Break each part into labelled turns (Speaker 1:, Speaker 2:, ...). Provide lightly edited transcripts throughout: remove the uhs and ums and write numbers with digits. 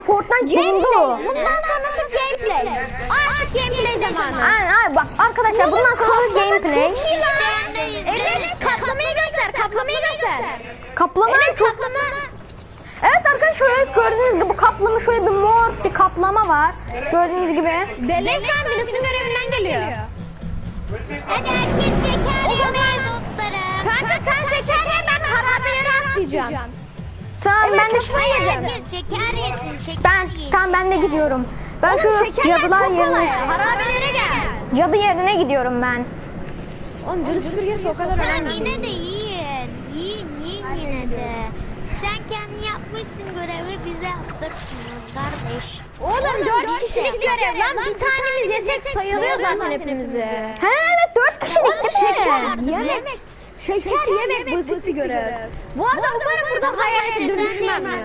Speaker 1: Fortnite bulundu.
Speaker 2: Bundan sonrası gameplay. Artık gameplay zamanı.
Speaker 1: Aynen bak arkadaşlar bundan sonra gameplay.
Speaker 2: Evet, kaplamayı göster, kaplamayı göster.
Speaker 1: Kaplama
Speaker 2: Evet,
Speaker 1: çok.
Speaker 2: kaplama.
Speaker 1: Evet arkadaşlar şöyle gördüğünüz gibi bu kaplama şöyle bir mor bir kaplama var. Gördüğünüz gibi.
Speaker 2: Beleş lan birisi görevinden geliyor. Hadi herkes şeker yemeğe dostlarım. Kanka sen şeker ye, ben harabeleri atlayacağım.
Speaker 1: Tamam
Speaker 2: Evet,
Speaker 1: ben de
Speaker 2: kafayı yiyeceğim.
Speaker 3: Şeker yesin, şeker
Speaker 1: ben
Speaker 3: yesin.
Speaker 1: tamam ben de gidiyorum. Ben şu
Speaker 2: Şekerler
Speaker 1: cadılar
Speaker 2: çok kolay.
Speaker 1: yerine
Speaker 2: Harabelere gel.
Speaker 1: cadı yerine gidiyorum ben.
Speaker 2: Oğlum virüs süpürgesi o kadar
Speaker 3: Tamam
Speaker 2: önemli.
Speaker 3: yine de yiyin. Yiyin yine de. Sen kendin yapmışsın görevi bize yaptırsın kardeş.
Speaker 2: Oğlum 4 kişilik görev lan. Bir tanemiz yesek sayılıyor zaten hepimizi.
Speaker 1: He evet 4 kişilik değil mi?
Speaker 2: Yemek. Şeker yemek basit bir görev. Bu arada umarım burada hayalete dönüşmem ya.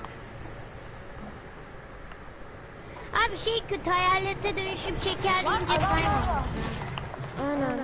Speaker 3: Abi şey kötü hayalete dönüşüp şeker yiyince kaybolur.
Speaker 2: Aynen.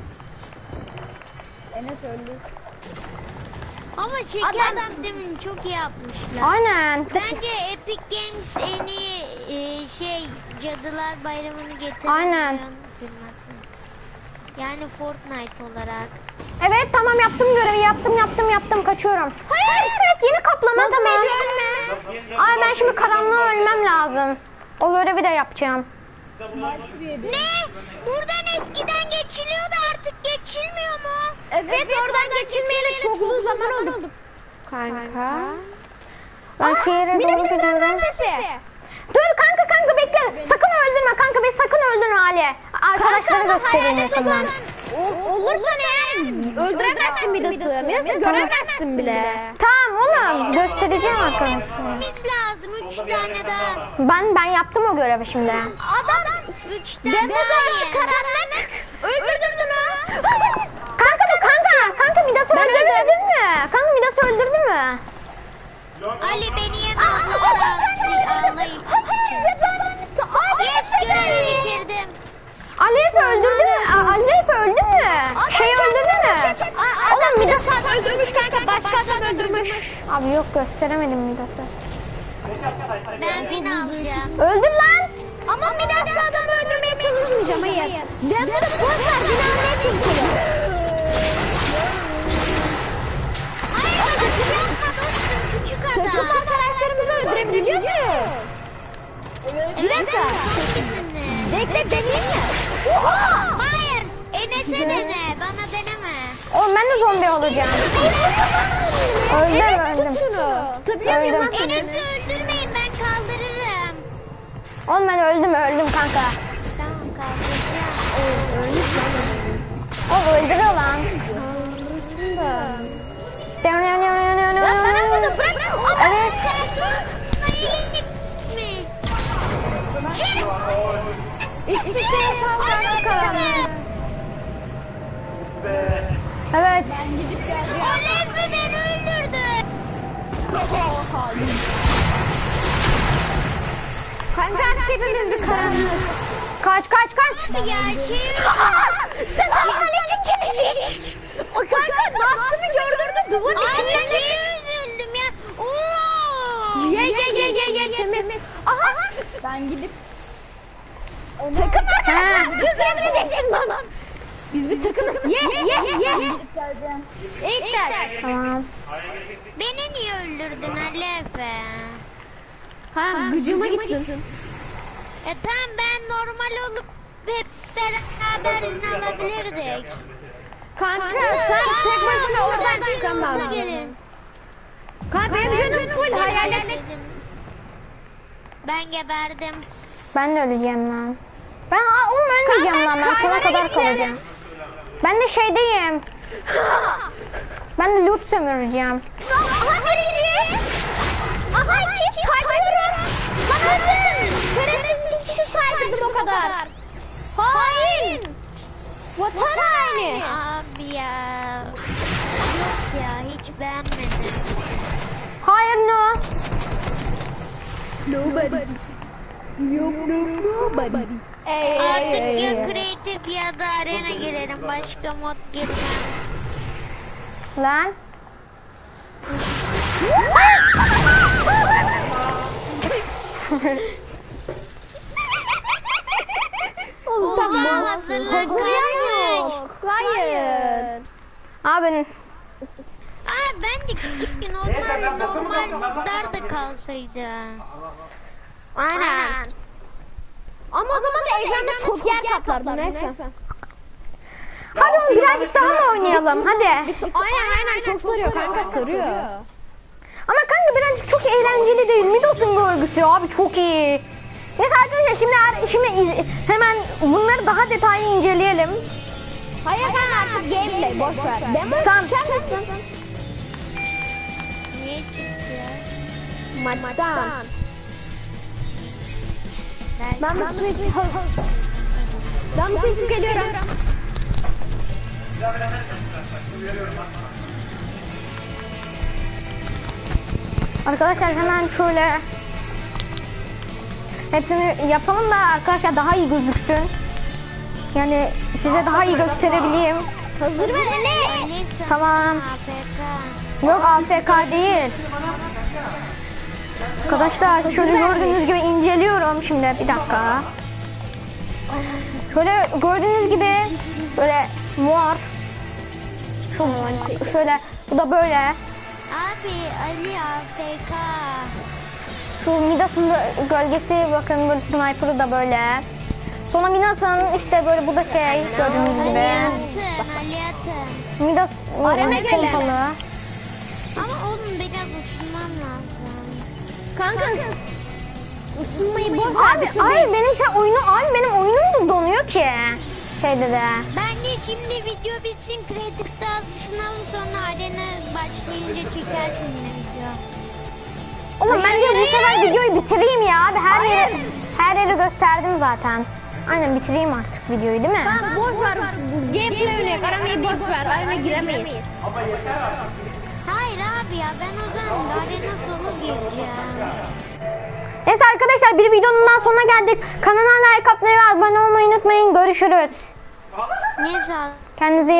Speaker 3: Ama şeker sistemini çok iyi yapmışlar.
Speaker 1: Aynen.
Speaker 3: Bence Epic Games en iyi şey Cadılar Bayramı'nı getiren
Speaker 1: Aynen.
Speaker 3: firması. Yani Fortnite olarak.
Speaker 1: Evet tamam yaptım görevi yaptım kaçıyorum. Hayır evet yeni kaplama tamam. Ay ben şimdi karanlığa ölmem lazım. O görevi de yapacağım.
Speaker 3: Ne? Buradan eskiden geçiliyordu artık geçilmiyor mu?
Speaker 2: Evet, oradan geçilmeyeli çok uzun zaman oldu.
Speaker 1: Kanka. Ben şehre
Speaker 2: Bir de
Speaker 1: doğru
Speaker 2: senden
Speaker 1: gidiyorum.
Speaker 2: sesi.
Speaker 1: Dur kanka bekle. Sakın öldürme kanka beni sakın öldürme Ali. Arkadaşları göstereyim yakından.
Speaker 2: Olursa ne? Öldüremezsin Midas'ı. Midas'ı göremezsin bile.
Speaker 1: Tamam oğlum göstereceğim arkadaşlar.
Speaker 3: Biz lazım 3 tane daha.
Speaker 1: Ben yaptım o görevi şimdi.
Speaker 2: Adam
Speaker 3: 3 tane
Speaker 2: demo
Speaker 3: daha
Speaker 2: karşı
Speaker 3: ye.
Speaker 2: karanlık. Öldürdün mü?
Speaker 1: Kanka Midas'ı öldürdün mü? Kanka Midas'ı öldürdü mü?
Speaker 3: Ali beni yeme ağlayıp. Yes görevi bitirdim.
Speaker 1: Aleyhip öldürdü mü? Aleyhip öldü mü? Şey öldürdü mü?
Speaker 2: Oğlum Midas abi öldürmüş kanka. Başka adam öldürmüş.
Speaker 1: Abi yok gösteremedim Midas'ı.
Speaker 3: Ben beni alacağım.
Speaker 1: Öldür lan.
Speaker 2: Ama Midas'la adamı öldürmeye çalışmayacağım. Hayır. Demo'da boşver. Beni almaya çalışıyorum.
Speaker 3: Hayır hadi yapma dostum küçük adam.
Speaker 2: Çocuk arkadaşlarımızı öldürebiliyor muyuz? Bir dakika. Bekle deneyeyim mi? Oha!
Speaker 3: Hayır Enes'e dene bana deneme.
Speaker 1: Oğlum ben de zombi olacağım. Öldüm.
Speaker 2: Tutabiliyor muyum lan
Speaker 1: Öldüm.
Speaker 2: seni?
Speaker 3: Enes'i öldürmeyin ben kaldırırım.
Speaker 1: Oğlum ben öldüm kanka.
Speaker 3: Tamam kaldıracağım.
Speaker 1: O öldürüyor lan.
Speaker 2: Lan bana bunu bırak.
Speaker 1: Evet.
Speaker 2: Hiçbir şey yapamam karanlık.
Speaker 1: Evet.
Speaker 3: Olezmi beni öldürdü.
Speaker 2: Kanka hepimiz bir karanlık.
Speaker 1: Kaç.
Speaker 3: Ya şey
Speaker 2: Sen halledin gelecek. O kanka Dust'ını gördürdü duvarın
Speaker 3: Abi
Speaker 2: içinden geçti.
Speaker 3: şey üzüldüm ya. Oo.
Speaker 2: Ye temiz. Aha.
Speaker 4: Ben gidip
Speaker 2: Takım
Speaker 1: Ha.
Speaker 2: arkadaşlar. Kız öldüreceksin bana. Biz bir takımız. Ye.
Speaker 4: gidip geleceğim.
Speaker 2: İlk der.
Speaker 1: Tamam.
Speaker 3: Beni niye öldürdün Ali Efe?
Speaker 2: Ha gücüme gittin.
Speaker 3: Tamam ben normal olup hep beraber izin alabilirdik.
Speaker 2: Kanka sen tek başına oradan çıkamazsın.
Speaker 3: Gelin.
Speaker 2: Kanka benim canım full hayalet.
Speaker 3: Ben geberdim.
Speaker 1: Ben de öleceğim lan. Oğlum ölmeyeceğim lan ben sona kadar kalacağım. Ben de şeydeyim. Ben de loot sömüreceğim.
Speaker 2: Aha birinci. Aha iki kaybediyorum. Lan öldüm. Şerefsiz iki kişi saydım o kadar. Hain. Vatan haini.
Speaker 3: Abi ya. Yok ya hiç beğenmedim.
Speaker 1: Hayır no.
Speaker 3: Artık ya kreatif ya da arena girelim. Başka mod girmem.
Speaker 1: Lan. Oğlum sen
Speaker 3: Oha, hazırlık yok.
Speaker 1: Hayır. Abi
Speaker 3: Aa ben de keşke normal modlar da kalsaydı.
Speaker 1: aynen. Ama o zaman da ekranda çok yer kaplardı neyse. Hadi oğlum birazcık daha mı oynayalım hadi.
Speaker 2: Aynen çok sarıyor kanka sarıyor.
Speaker 1: Ama kanka birazcık çok eğlenceli değil. Midos'un görgüsü abi çok iyi. Neyse arkadaşlar şimdi hemen bunları daha detaylı inceleyelim.
Speaker 2: Hayır kanka artık gameplay boş ver. Demo
Speaker 1: Tamam.
Speaker 2: çıkar mısın?
Speaker 3: Niye çıktı?
Speaker 2: Maçtan. Ben bir su içip ben bir su içip geliyorum.
Speaker 1: Arkadaşlar hemen şöyle hepsini yapalım da arkadaşlar daha iyi gözüksün. Yani size daha iyi gösterebileyim.
Speaker 2: Hazır ver Enes.
Speaker 3: Alisa,
Speaker 1: Tamam.
Speaker 3: AFK.
Speaker 1: Yok AFK değil. Arkadaşlar şöyle gördüğünüz gibi inceliyorum şimdi bir dakika. Şöyle gördüğünüz gibi böyle mor. Şöyle bu da böyle.
Speaker 3: Abi Ali AFK.
Speaker 1: Şu Midas'ın gölgesi bakın böyle sniper'ı da böyle. Sonra Midas'ın işte böyle bu da şey gördüğünüz gibi.
Speaker 3: Ali atın.
Speaker 1: Midas
Speaker 2: Arena gelelim.
Speaker 1: pompalı.
Speaker 3: Ama oğlum biraz ısınmam lazım.
Speaker 2: Kanka ısınmayı boş ver.
Speaker 1: Abi ay benim oyunum da donuyor ki. Şeyde de.
Speaker 3: Ben de şimdi video bitsin Creative Stars sınavı sonra arena başlayınca çekersin yine video.
Speaker 1: Oğlum ben de bu sefer videoyu bitireyim ya abi her yeri gösterdim zaten. Aynen bitireyim artık videoyu değil mi?
Speaker 2: Tamam boş ver. Gameplay oynayalım. Aranayı boş ver. Arana giremeyiz.
Speaker 3: Hayır abi ya ben o zaman arena sonu gireceğim.
Speaker 1: Neyse arkadaşlar bir videonun daha sonuna geldik. Kanala like atmayı ve abone olmayı unutmayın. Görüşürüz.
Speaker 3: Niye sağ
Speaker 1: Kendinize iyi